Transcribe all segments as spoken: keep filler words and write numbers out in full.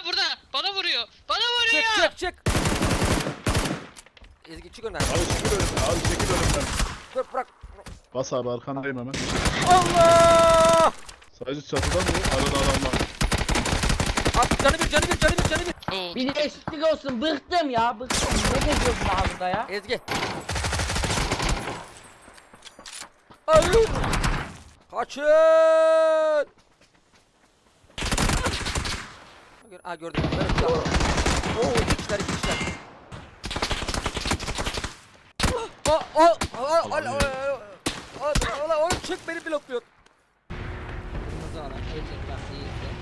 Aa burada. Bana vuruyor. Bana vuruyor. Çık çık çık. Ezgi çık önden. Abi çekil önümden. Abi çekil önümden. Dur bırak. Bas abi arkandayım hemen. Allah! Sadece çatıdan mı? Arada adam var. Abi canı bir canı bir canı bir canı bir. Oo. Bir değişiklik olsun. Bıktım ya. Bıktım. Ne geziyorsun daha burada ya? Ezgi. Ay! Kaçın! Aa gördüm. Evet, tamam. Oo iki kişiler iki kişiler. Aa aa aa aa aa aa oğlum çık beni blokluyor. Kırmızı olan. Ecek bak iyiyse.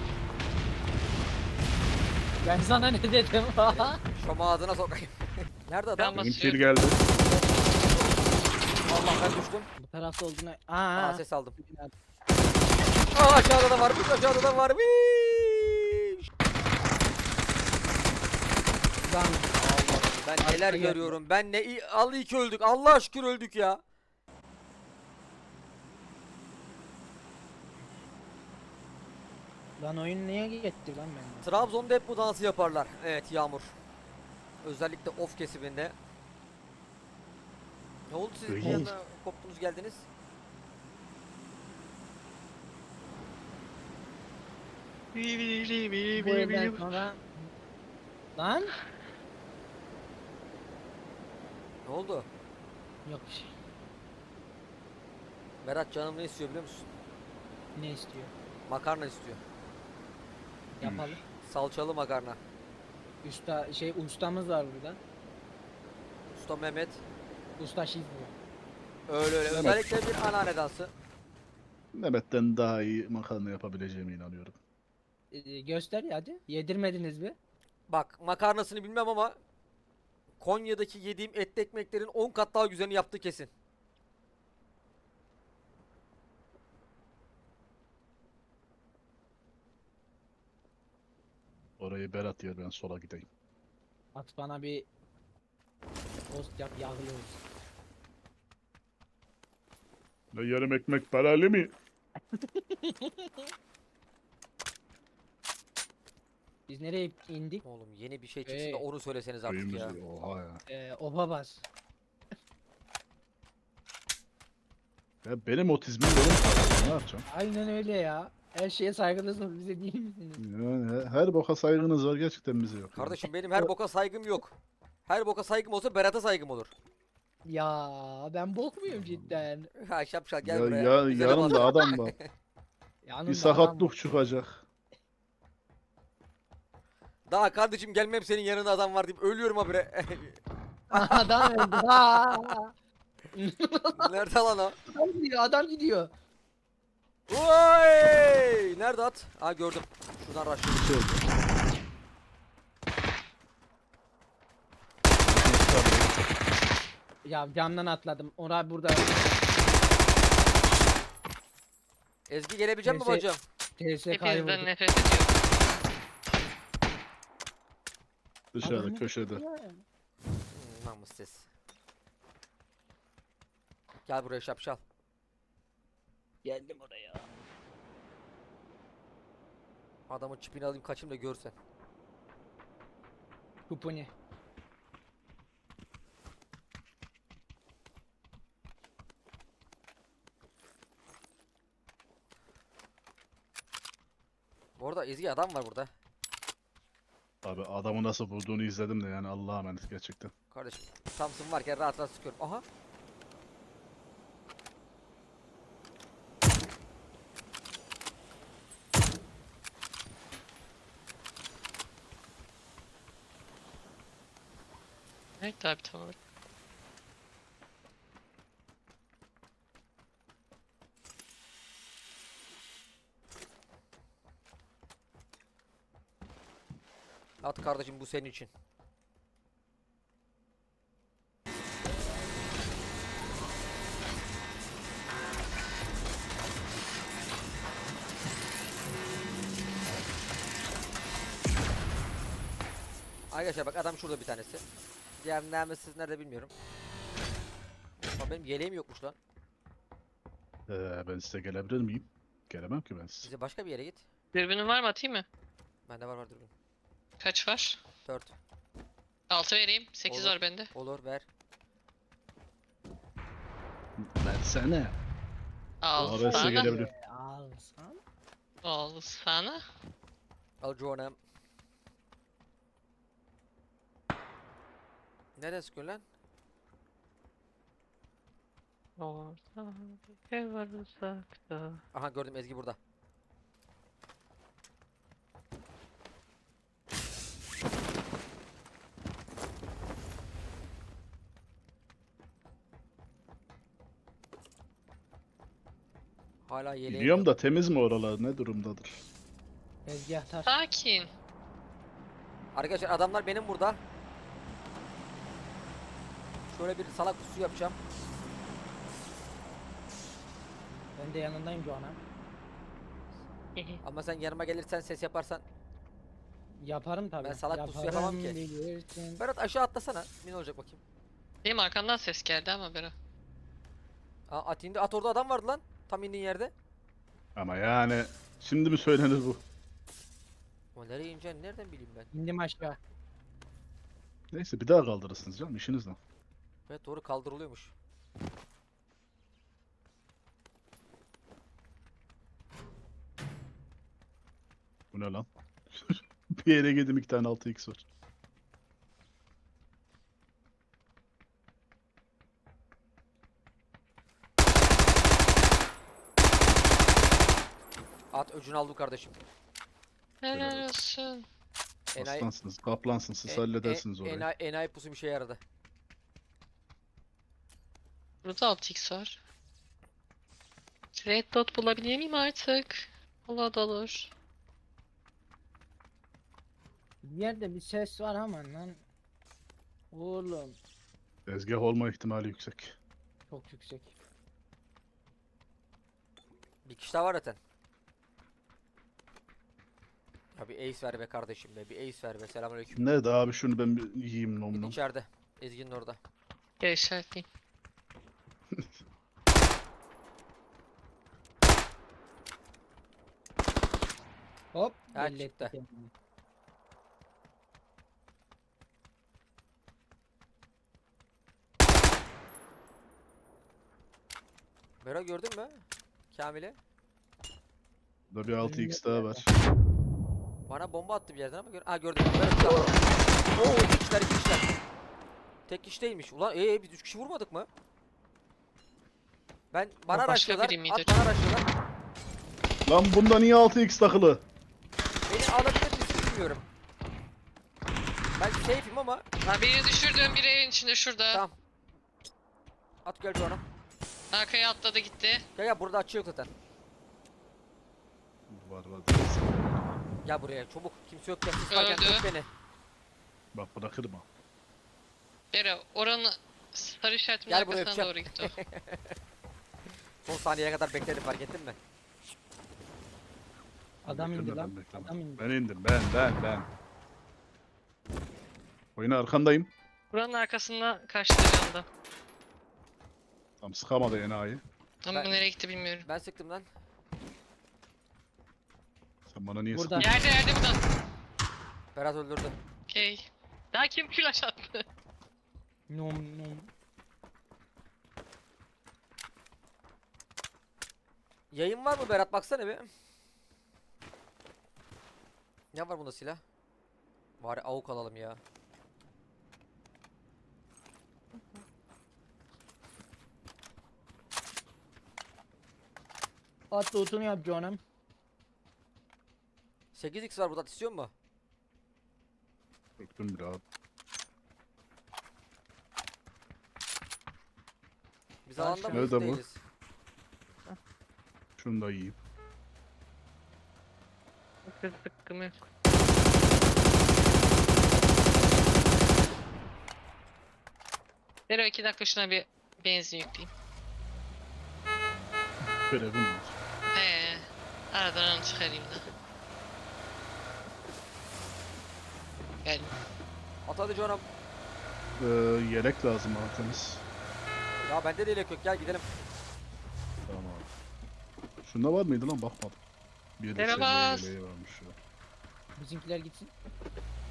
Ben sana ne dedim? Şoma ağzına sokayım. Nerede adam? Ben Benim kill basıyorum. geldi. Allah ben düştüm. Bu tarafta olduğuna... Aa Aa, ses aldım. Aa aşağıda da varmış aşağıda da varmış. Lan. Ben neler geldi. görüyorum. Ben ne iyi al iyi ki öldük. Allah şükür öldük ya. Lan oyun niye gitti lan benden? Trabzon'da hep bu dansı yaparlar. Evet Yağmur. Özellikle of kesiminde. Ne oldu siz bir İyi. anda koptunuz geldiniz? Bu evden sonra... Lan? Ne oldu? Yok bir şey. Berat canım ne istiyor biliyor musun? Ne istiyor? Makarna istiyor. Yapalım. Salçalı makarna. Usta şey ustamız var burada. Usta Mehmet. Usta şif bu. Öyle öyle. Mehmet. Özellikle bir anneanne dansı. Mehmet'ten daha iyi makarna yapabileceğime inanıyorum. Ee, göster ya hadi. Yedirmediniz mi? Bak makarnasını bilmem ama Konya'daki yediğim etli ekmeklerin on kat daha güzelini yaptığı kesin. Orayı Berat yer, ben sola gideyim. At bana bir tost yap yağlı olsun. Ne yarım ekmek paralı mı? Biz nereye indik? Oğlum yeni bir şey çıksın Ee, da onu söyleseniz artık ya. Köyümüz oha ya. Ee, oba bas. Ya benim otizmim benim tarzım, ne yapacağım? Aynen öyle ya. Her şeye saygılısınız, bize değil misiniz? Yani he- her boka saygınız var, gerçekten bize yok. yani. Kardeşim benim her boka saygım yok. Her boka saygım olsa Berat'a saygım olur. Ya ben bok muyum cidden? Ha şapşal gel Ya, buraya. ya, Güzelim yanımda adam. adam var. Yanımda Bir sakatlık çıkacak. Daha kardeşim gelmem senin yanında adam var deyip ölüyorum habire. Adam öldü. Aa! Nerede lan o? Adam gidiyor, adam gidiyor. Oy! Nerede at? Ha gördüm. Şuradan rush. Bir şey oldu. Ya camdan atladım. Orada burada Ezgi gelebilecek mi Neyse. bacım? T S K'yı Hepinizden vurdu. nefret ediyorum. Dışarıda Adam köşede. ya. Hmm, namussuz. Gel buraya şapşal. Geldim oraya. Adamın çipini alayım kaçayım da görsen. Kuponi. Bu arada Ezgi adam var burada. Abi adamı nasıl vurduğunu izledim de, yani Allah'a emanet gerçekten. Kardeşim Thompson varken rahat rahat sıkıyorum. Aha. Evet abi tamam. At kardeşim bu senin için. Arkadaşlar bak adam şurada bir tanesi. Diğer nerede nerede bilmiyorum. Ama benim yeleğim yokmuş lan. Ee, ben size gelebilir miyim? Gelemem ki ben size. Bize başka bir yere git. Dürbünün var mı, atayım mı? Bende var var dürbün. Kaç var? dört. altı vereyim. sekiz Olur. var bende. Olur ver. Versene. Al Arası sana. gelebilir. Ee, Alsan. Al sana. Al canım. Nereye sıkıyorsun lan? Orada bir ev var uzakta. Aha gördüm, Ezgi burada. Hala yeleğim Biliyorum yok. da temiz mi oralar? Ne durumdadır? Tezgahtar. Sakin. Arkadaşlar adamlar benim burada. Şöyle bir salak pusu yapacağım. Ben de yanındayım Doğan'a. Ama sen yanıma gelirsen, ses yaparsan. Yaparım tabii. Ben salak pusu Yaparım yapamam ki. bilirsin. Berat aşağı atlasana. Ne olacak bakayım. Benim arkamdan ses geldi ama Bero. Aa, at indi. At, orada adam vardı lan. Tam indiğin yerde. Ama yani şimdi mi söylenir bu? Ama nereye ineceğini nereden bileyim ben. İndim aşağı. Neyse bir daha kaldırırsınız canım işiniz ne? Evet doğru, kaldırılıyormuş. Bu ne lan? Bir yere girdim iki tane altı x var. At öcünü aldım kardeşim. Helal olsun. Enayi, Aslansınız, kaplansınız, siz e- halledersiniz e- orayı. enayi, enayi pusu bir şeye yaradı. Burada altı x var. Red dot bulabilir miyim artık? Allah da olur. Bir yerde bir ses var ama lan. Oğlum. Tezgah olma ihtimali yüksek. Çok yüksek. Bir kişi daha var zaten. Ya bir ace ver be kardeşim be. Bir ace ver be. Selamünaleyküm. Nerede abi, şunu ben bir yiyeyim nom nom. İçeride. Ezgi'nin orada. Gel işaretleyeyim. Hop. Ha, belli etti çıktı. kendini. Bera gördün mü? Kamil'i. Burada bir altı x daha var. Bana bomba attı bir yerden ama gör. Ha gördüm. Bera şurada. Oo, iki kişiler, iki kişiler. Tek kişi değilmiş. Ulan ee biz üç kişi vurmadık mı? Ben bana O başka araştırıyorlar. biri miydi At acaba? bana araştırıyorlar. Lan bunda niye altı x takılı? Beni alabilir misin bilmiyorum. Ben safe'im ama Ha birini düşürdüm, biri evin içinde şurada. tamam. At gel canım. Arkaya atladı gitti. Gel gel, burada açı yok zaten. Var var. Gel buraya çabuk. Kimse yok ya. Siz varken Öldü. tut beni. Bak bırakırım ha. Bero oranın sarı işaretimin Gel buraya, arkasına öpeceğim. doğru gitti o. Son saniyeye kadar bekledim, fark ettin mi? Adam indi Bekleme, lan. ben bekleme. Adam indi. Ben indim ben ben ben. Oyuna arkandayım. Buranın arkasında karşıda da. Tam sıkamadı enayi. Ama Ben- bu nereye gitti bilmiyorum. Ben sıktım lan. Sen bana niye Burada. sıkıyorsun? Yerde yerde burada. Berat öldürdü. Okey. Daha kim flash attı? Nom nom. Yayın var mı Berat, baksana bir. Ne var bunda silah? Bari avuk alalım ya. At lootunu yap canım. sekiz x var burada, istiyor mu? Öptüm bir abi. Biz Ben alanda şu- mıyız, Nerede bu? değiliz. Şunu da yiyeyim. Kız sıkkım yok. Bero iki dakika şuna bir benzin yükleyeyim. Görevim var. He. Aradan onu çıkarayım da. Gel. At hadi canım. Ee, yelek lazım bana temiz. Ya bende de yelek yok, gel gidelim. Tamam abi. Şunda var mıydı lan, bakmadım. Bir de Merhaba. seviye yeleği varmış ya. Bizimkiler gitsin.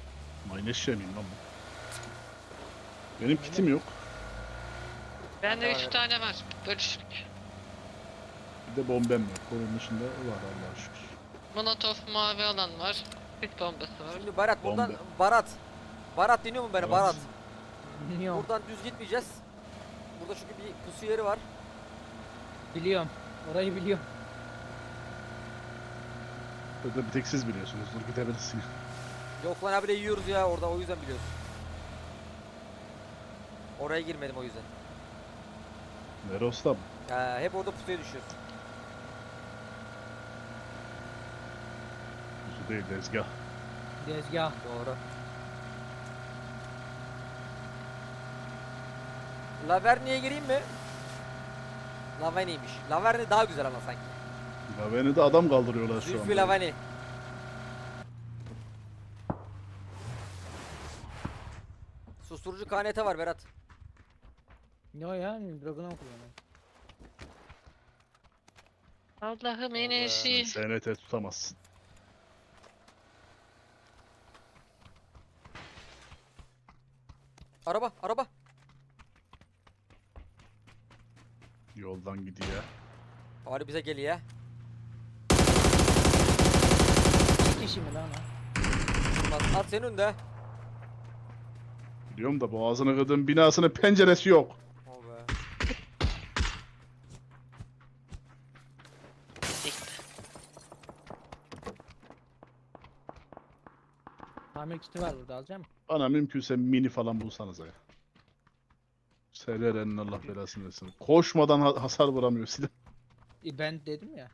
Mayneşe miyim lan bu? Benim kitim yok. Bende Bende üç var. tane var. Bölüşük. Bir de bombem yok. Onun dışında var Allah'a şükür. Molotov mavi alan var. Bir bombası var. Şimdi Barat buradan Bombe. Barat. Barat dinliyor mu beni Evet. Barat? Bilmiyorum. Buradan düz gitmeyeceğiz. Burada çünkü bir pusu yeri var. Biliyorum. Orayı biliyorum. Burada bir tek siz biliyorsunuz. Dur gidebilirsin. Yok lan abi de yiyoruz ya orada, o yüzden biliyoruz. Oraya girmedim o yüzden. Neros'ta mı? Ha, hep orada pusuya düşüyoruz. Kuzu değil tezgah. Dezgah. Doğru. Laverni'ye gireyim mi? Lavani'ymiş. Laverni daha güzel ama sanki. Ya beni de adam kaldırıyorlar şu Zülfü anda. Lavani. Susturucu K N T var Berat. Ne o ya? Dragon'a okuyorum. Allah'ım Allah. enerji. S N T tutamazsın. Araba, araba. Yoldan gidiyor. Bari bize geliyor. İki kişi mi lan o? Bak, at senin önünde. Biliyorum da boğazını kırdığım binasının penceresi yok. Oh be. Tamir kiti var burada, alacağım. Bana mümkünse mini falan bulsanız ya. Sererenin Allah belasını versin. Koşmadan ha- hasar vuramıyor silah. E, ben dedim ya.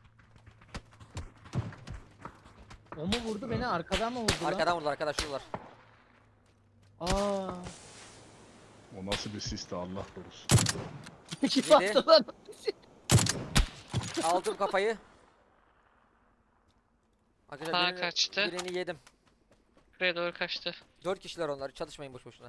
O mu vurdu beni, arkadan mı vurdu lan? Arkadan vurdular arkadaş, şuralar. Aa. O nasıl bir sisti Allah korusun. Kim Yedi. attı lan? Aldım kafayı. Sağa Arkadaşlar birini, kaçtı. birini yedim. Buraya doğru kaçtı. Dört kişiler onlar. Çalışmayın boş boşuna.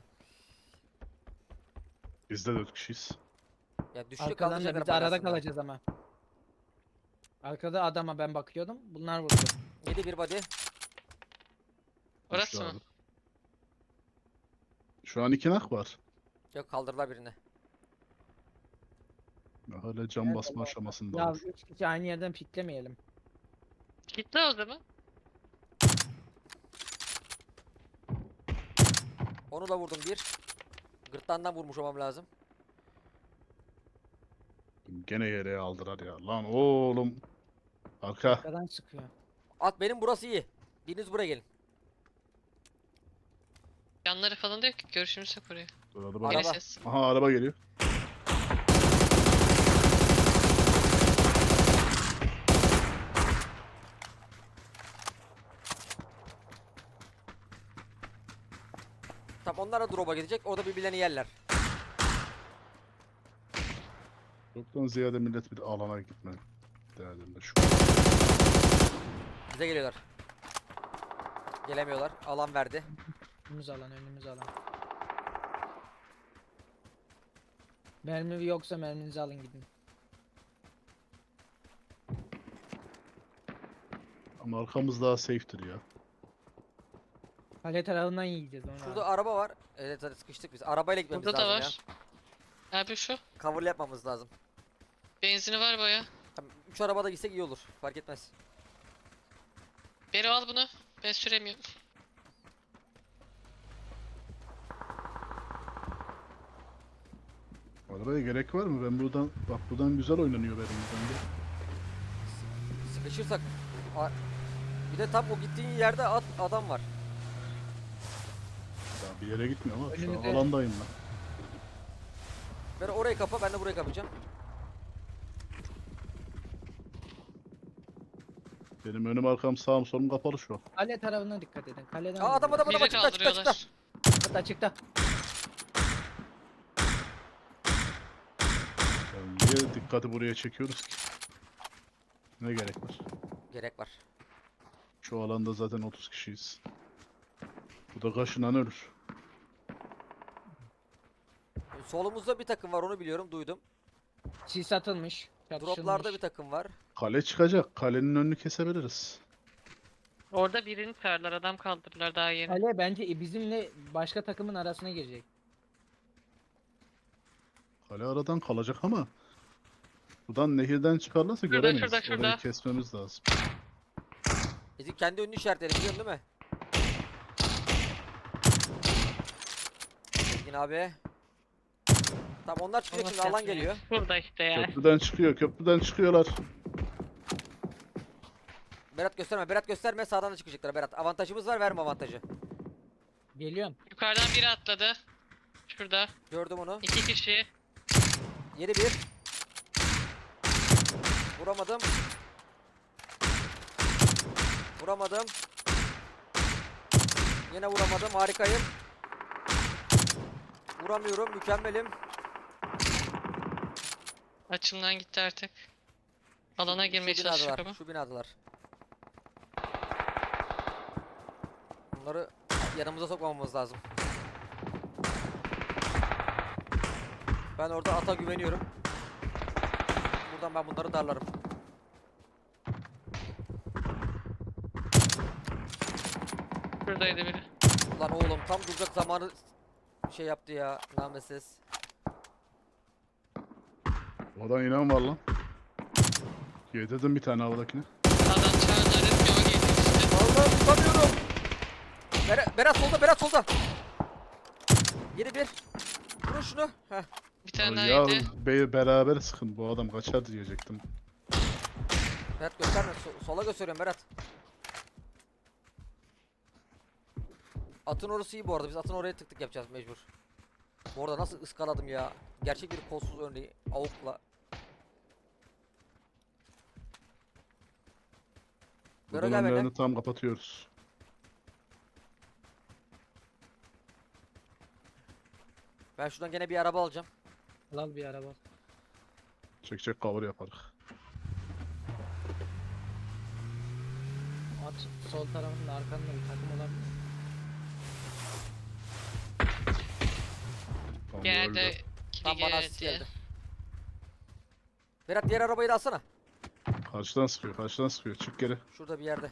Biz de dört kişiyiz. Ya düştü Arkadan da kaldıracaklar biz arada bagasında. kalacağız ama. Arkada adama ben bakıyordum. Bunlar vurdu. Yedi bir body. Orası Düştü mı? abi. Şu an iki nak var. Yok, kaldırdılar birini. Hala cam Evet, basma Allah. aşamasında. Ya olur. üç kişi aynı yerden piklemeyelim. Gitti o zaman. Onu da vurdum bir. Gırtlağından vurmuş olmam lazım. Gene yere aldılar ya. Lan oğlum. Arka. Arkadan sıkıyor. At, benim burası iyi. Biriniz buraya gelin. Yanları falan da yok ki. Görüşümüz yok oraya. Dur, araba. Yine Araba. ses. Aha araba geliyor. Tamam, onlar da drop'a gidecek. Orada birbirlerini yerler. Çoktan ziyade millet bir alana gitme derdinde şu. Bize geliyorlar. Gelemiyorlar. Alan verdi. Önümüz alan, önümüz alan. Mermi yoksa merminizi alın gidin. Ama arkamız daha safe'tir ya. Kale tarafından yiyeceğiz onu. Şurada araba var. Evet, hadi sıkıştık biz. Arabayla gitmemiz Burada da lazım var. Abi şu. ya. Cover yapmamız lazım. Benzini var baya. Tamam, üç arabada gitsek iyi olur. Fark etmez. Beri al bunu. Ben süremiyorum. Arabaya gerek var mı? Ben buradan bak buradan güzel oynanıyor benim yüzümde. Sıkışırsak. A- Bir de tam o gittiğin yerde at, adam var. Ya bir yere gitmiyorum ama şu an Önümüzde. alandayım lan. Ben orayı kapa, ben de burayı kapayacağım. Benim önüm arkam sağım solum kapalı şu an. Kale tarafına dikkat edin. Kaleden Aa, adam adam adam Bizi açıkta açıkta açıkta. kaldırıyorlar. Açıkta açıkta. Yani niye dikkati buraya çekiyoruz ki? Ne gerek var? Gerek var. Şu alanda zaten otuz kişiyiz. Bu da kaşınan ölür. Solumuzda bir takım var, onu biliyorum, duydum. Sis atılmış. Droplarda bir takım var. Kale çıkacak. Kalenin önünü kesebiliriz. Orada birini çağırdılar. Adam kaldırdılar daha yeni. Ale bence bizimle başka takımın arasına girecek. Kale aradan kalacak ama buradan nehirden çıkarlarsa Şurada, göremeyiz. şurada, şurada. Orayı kesmemiz lazım. Ezik kendi önünü işaretledim biliyorsun değil mi? Ezgin abi. Tamam onlar çıkacak şimdi alan geliyor. Burada işte ya. Köprüden çıkıyor, köprüden çıkıyorlar. Berat gösterme Berat gösterme sağdan da çıkacaklar Berat. Avantajımız var verme avantajı. Geliyorum. Yukarıdan biri atladı. Şurada. Gördüm onu. İki kişi. Yedi bir. Vuramadım. Vuramadım. Yine vuramadım. Harikayım. Vuramıyorum. Mükemmelim. Açımdan gitti artık. Alana girmeye Şu çalışacak binadalar. ama. Şu binadılar. Bunları yanımıza sokmamamız lazım. Ben orada ata güveniyorum. Buradan ben bunları darlarım. Şuradaydı biri. Lan oğlum tam duracak zamanı şey yaptı ya nametsiz. Oradan inen var lan. Yedirdim bir tane havadakine. Adam çağırdılar. Hep yola geldi işte. Vallahi tutamıyorum. Berat, Berat solda Berat solda. Yedi bir. Vurun şunu. Heh. Bir tane daha Ya yedi. be beraber sıkın, bu adam kaçar diyecektim. Berat gösterme. So- sola gösteriyorum Berat. Atın orası iyi bu arada. Biz atın oraya tık tık yapacağız mecbur. Bu arada nasıl ıskaladım ya. Gerçek bir kolsuz örneği. Avukla. Bero Buradan gel benimle. önlerini tam kapatıyoruz. Ben şuradan gene bir araba alacağım. Al bir araba. Çek çek cover yaparız. At sol tarafında arkanda bir takım olabilir. Tamam, öldü. Geldi. Kili Tam bana asist geldi. geldi. Berat diğer arabayı da alsana. Karşıdan sıkıyor, karşıdan sıkıyor. Çık geri. Şurada bir yerde.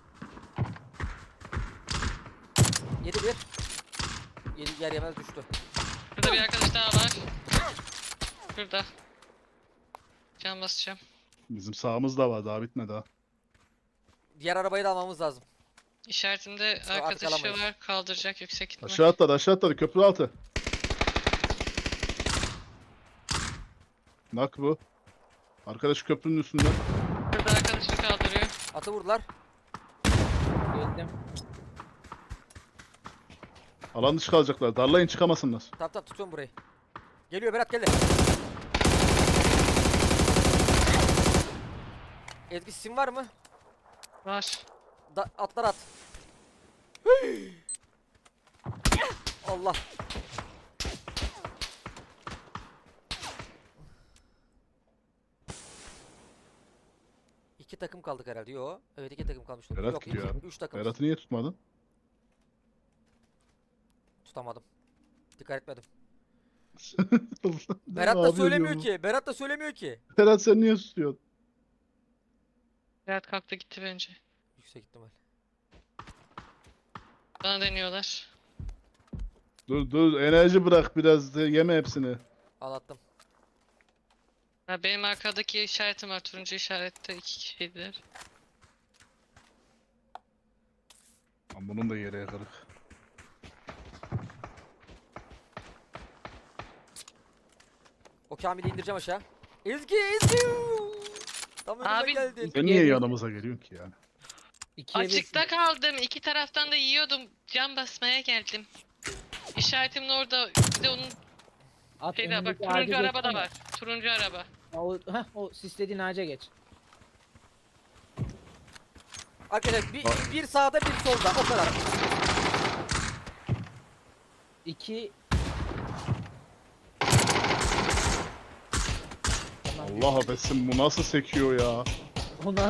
Yedi bir. Yedi yer yemez düştü. Burada bir arkadaş daha var. Şurada. Can basacağım. Bizim sağımızda var, daha bitmedi ha. Diğer arabayı da almamız lazım. İşaretimde Sonra artık arkadaşı alamayız. var. Kaldıracak yüksek ihtimal. Aşağı atladı, aşağı atladı. Köprü altı. Nak bu. Arkadaş köprünün üstünde. Burada arkadaşını kaldırıyor. Atı vurdular. Geldim. Alan dışı kalacaklar. Darlayın, çıkamasınlar. Tamam tamam tutuyorum burayı. Geliyor Berat geldi. Ezgi sim var mı? Var. Da atlar at. Allah. İki takım kaldık herhalde. Yo. Evet iki takım kalmış. Berat Yok gidiyor iki, abi. üç takım. Berat'ı niye tutmadın? Tutamadım. Dikkat etmedim. Ne Berat da yapıyorsun söylemiyor ya? ki. Berat da söylemiyor ki. Berat sen niye tutuyorsun? Berat kalktı gitti bence. Yüksek ihtimal. Bana deniyorlar. Dur dur, enerji bırak biraz. de, Yeme hepsini. Anlattım. Ha, benim arkadaki işaretim var. Turuncu işarette iki kişiydiler. Lan bunun da yere kırık. O Kamil'i indireceğim aşağı. Ezgi Ezgi. Tam önüme Abi, geldin. Sen niye yanımıza geliyorsun ki yani? İkiye bir. Açıkta kaldım. İki taraftan da yiyordum. Can basmaya geldim. İşaretimin orada. Bir de onun At şeyde bak. önündeki ağaca Turuncu araba da geçsene. var. Turuncu araba. O, heh, o sislediğin ağaca geç. Arkadaşlar bir, Bak. bir sağda bir solda o kadar. İki. Tamam, Allah affetsin, bu nasıl sekiyor ya? Ona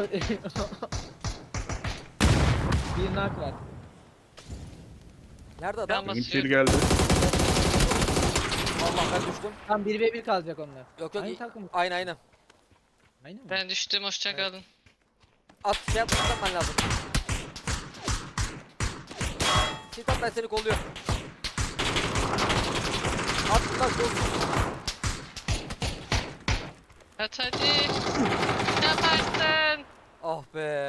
bir nak var. Nerede adam? Tamam. Benim Basıyor. kill geldi. Allah ben düştüm. Tam bir ve bir kalacak onlar. Yok yok. Aynı i- takım. Aynı aynı. Aynı mı? Ben düştüm. Hoşça Evet. kalın. At şey yapman lazım. Şeytan ben seni kolluyorum. At lan dostum. At hadi. Yaparsın. Ah be.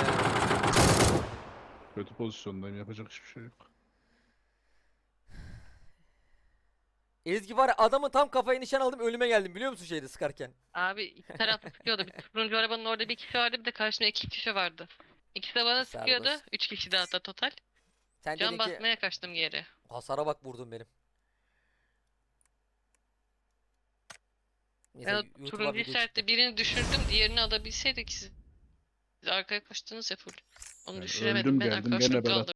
Kötü pozisyondayım. Yapacak hiçbir şey yok. Ezgi var ya, adamın tam kafaya nişan aldım, ölüme geldim biliyor musun şeyde sıkarken. Abi iki taraflı sıkıyordu. Bir turuncu arabanın orada bir kişi vardı, bir de karşımda iki kişi vardı. İkisi de bana sıkıyordu. Serbest. Üç kişi de hatta total. Sen Can dedin ki basmaya kaçtım geri. hasara bak vurdun benim. Neyse, Ben o YouTube'a turuncu video çıktı. işaretle birini düşürdüm, diğerini alabilseydik siz. Siz arkaya kaçtınız ya full. Onu Yani düşüremedim, öldüm ben geldim arkadaşlarım gene bela. kaldı.